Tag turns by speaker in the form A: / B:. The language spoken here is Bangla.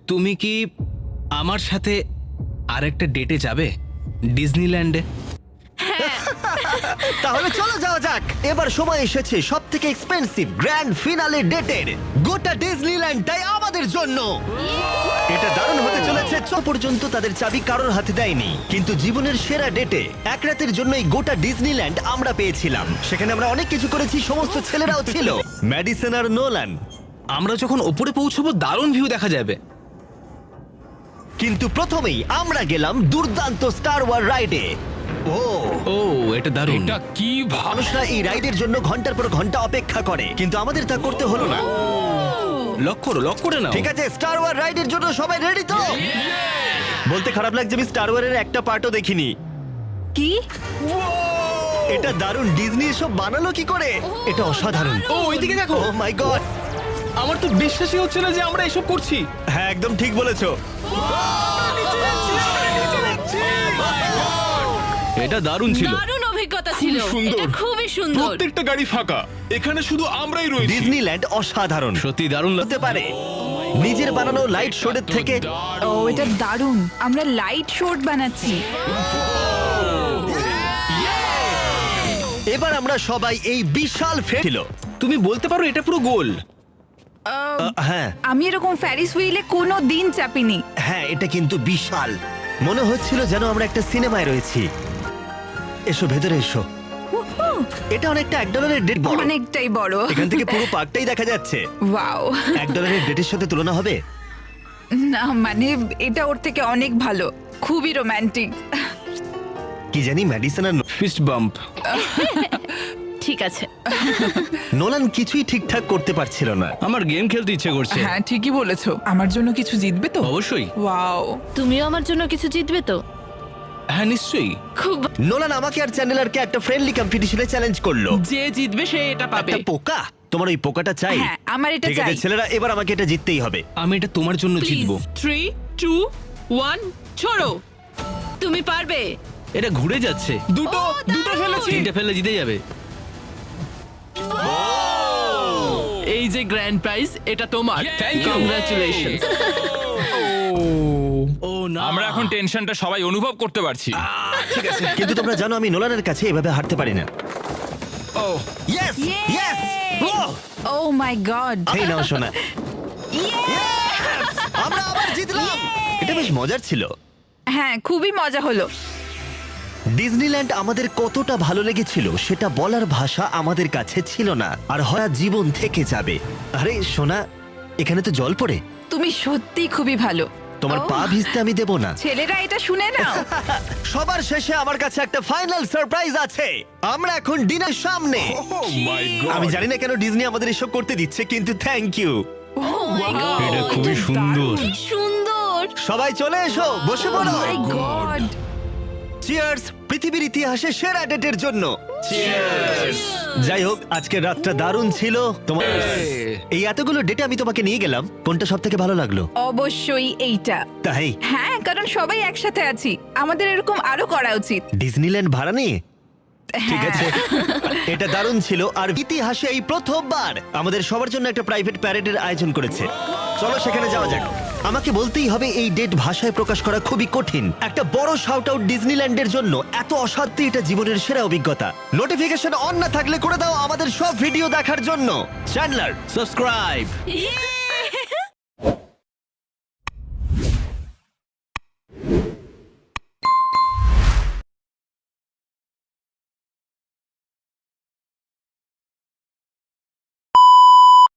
A: তুমি কি আমার সাথে আরেকটা ডেটে যাবে ডিজনিল্যান্ডে?
B: তাহলে চলো যাওয়া যাক। এবার সময় এসেছে সব থেকে এক্সপেন্সিভ গ্র্যান্ড ফিনালে ডেটের। গোটা ডিজনিল্যান্ডটাই আমাদের জন্য। এটা দারুণ হতে চলেছে। পর্যন্ত তাদের চাবি কারোর হাতে দেয়নি, কিন্তু জীবনের সেরা ডেটে এক রাতের জন্য এই গোটা ডিজনিল্যান্ড আমরা পেয়েছিলাম। সেখানে আমরা অনেক কিছু করেছি, সমস্ত ছেলেরাও ছিল, ম্যাডিসন আর নোলান।
A: আমরা যখন ওপরে পৌঁছবো দারুণ ভিউ দেখা যাবে।
B: কিন্তু প্রথমেই আমরা গেলাম দুর্দান্ত স্টার ওয়ার রাইডে।
A: ও এটা দারুণ।
C: এটা কি
B: মানুষরা এই রাইডের জন্য ঘন্টার পর ঘন্টা অপেক্ষা করে, কিন্তু আমাদের তা করতে হলো না।
A: লক করে নাও।
B: ঠিক আছে, স্টার ওয়ার রাইডের জন্য সবাই রেডি তো? বলতে খারাপ লাগছে, আমি স্টার ওয়ারের একটা পার্টও দেখিনি।
D: কি?
B: এটা দারুণ। ডিজনি এসব বানালো কি করে? এটা অসাধারণ।
A: ও ওইদিকে দেখো।
B: ও মাই গড,
A: আমার তো বিশ্বাসই হচ্ছে না যে আমরা এসব করছি।
B: হ্যাঁ একদম ঠিক বলেছো।
A: এটা দারুণ ছিল।
D: দারুণ অভিজ্ঞতা ছিল।
C: সুন্দর।
D: এটা খুবই সুন্দর।
C: প্রত্যেকটা গাড়ি ফাঁকা, এখানে শুধু আমরাই রয়েছি।
B: ডিজনিল্যান্ড অসাধারণ
A: সত্যি দারুণ
B: হতে পারে। নিজের বানানো লাইট শোর থেকে
D: ও এটা দারুণ। আমরা লাইট শর্ট বানাচ্ছি।
B: এবার আমরা সবাই এই বিশাল ফেল।
A: তুমি বলতে পারো এটা পুরো গোল।
B: হ্যাঁ
D: আমি এরকম ফ্যারিস হুইলে কোনো দিন চাপিনি।
B: হ্যাঁ, এটা কিন্তু বিশাল। মনে হচ্ছিল যেন আমরা একটা সিনেমায় রয়েছি। এসো ভেতরে এসো। এটা অনেকটা $1 ডেট বড়।
D: অনেকটাই বড়।
B: এখান থেকে পুরো পার্কটাই দেখা যাচ্ছে।
D: ওয়াও।
B: $1 ডেটের সাথে তুলনা হবে?
D: না মানে এটা ওর থেকে অনেক ভালো। খুবই রোমান্টিক।
B: কি জানি ম্যাডিসন আর
A: ফিস্ট বাম্প।
D: ঠিক আছে।
B: নোলান কিছুই ঠিকঠাক করতে পারছিল না।
A: আমার গেম খেলতে ইচ্ছে করছে।
E: হ্যাঁ ঠিকই বলেছো। আমার জন্য কিছু জিতবে তো?
A: অবশ্যই।
E: ওয়াও।
F: তুমিও আমার জন্য কিছু জিতবে তো?
A: হ্যাঁ নিশ্চয়ই।
F: খুব
B: নোলান আমাকে আর চ্যানেলারকে একটা ফ্রেন্ডলি কম্পিটিশনে চ্যালেঞ্জ করলো।
E: যে জিতবে সে এটা পাবে।
B: একটা পোকা? তোমার ওই পোকাটা চাই?
D: হ্যাঁ আমার এটা
B: ঠিক আছে
D: চাই।
B: ছেলেরা, এবার আমাকে এটা জিততেই হবে।
A: আমি এটা তোমার জন্য জিতবো।
E: 3 2 1 ছোড়ো।
F: তুমি পারবে।
A: এটা ঘুরে যাচ্ছে।
E: দুটো ফেলেছি।
A: তিনটে ফেললে জিতে যাবে।
E: এই যে গ্র্যান্ড প্রাইজ, এটা তোমার।
C: Thank you.
E: কংগ্রাচুলেশনস।
A: ও না,
C: আমরা এখন টেনশনটা সবাই অনুভব করতে পারছি।
A: ঠিক আছে।
B: কিন্তু তোমরা জানো আমি নোলানের কাছে এভাবে হারতে পারি না।
C: Oh
B: yes yes.
D: Oh my god.
B: এই নাও শোনা, আমরা আবার জিতলাম। এটা বেশ মজার ছিল।
D: হ্যাঁ খুবই মজা হলো।
B: ডিজনিল্যান্ড আমাদের কতটা ভালো লেগেছিল সেটা বলার ভাষা আমাদের কাছে ছিল না। আর হয় জীবন থেকে যাবে। আরে সোনা, এখানে তো জল পড়ে।
D: তুমি সত্যি খুবই ভালো।
B: তোমার
D: ও,
B: পা ভিজতে আমি দেব না।
D: ছেলেরা এটা শুনে নাও।
B: সবার শেষে আমার কাছে একটা ফাইনাল সারপ্রাইজ আছে। আমরা এখন ডিনার সামনে।
C: মাই গড,
B: আমি জানি না কেন ডিজনি আমাদের এসব করতে দিচ্ছে, কিন্তু থ্যাংক ইউ।
A: এটা খুবই সুন্দর।
F: সুন্দর।
B: সবাই চলে এসো, বসে পড়ো।
D: মাই গড।
B: চিয়ার্স পৃথিবীর ইতিহাসে সেরা ডেটের জন্য। যাই হোক, আজকের রাতটা দারুণ ছিল। তোমার এই এতগুলো ডেটে আমি তোমাকে নিয়ে গেলাম, কোনটা সব থেকে ভালো লাগলো?
D: অবশ্যই এইটা।
B: তাই
D: হ্যাঁ কারণ সবাই একসাথে আছি, আমাদের এরকম আরো করা উচিত।
B: ডিজনিল্যান্ড ভাড়া নিয়ে? ঠিক
D: হ্যাঁ।
B: আছে, এটা দারুণ ছিল। আর ইতিহাসে এই প্রথমবার আমাদের সবার জন্য একটা প্রাইভেট প্যারেডের আয়োজন করেছে। চলো সেখানে যাওয়া যাক। আমাকে বলতেই হবে এই ডেট ভাষায় প্রকাশ করা খুবই কঠিন। একটা বড় শাউট আউট ডিজনিল্যান্ডের জন্য। এত অসাধ্য, এটা জীবনের সেরা অভিজ্ঞতা। নোটিফিকেশন অন না থাকলে করে দাও আমাদের সব ভিডিও দেখার জন্য। চ্যান্ডলার
A: সাবস্ক্রাইব।
F: Yeah!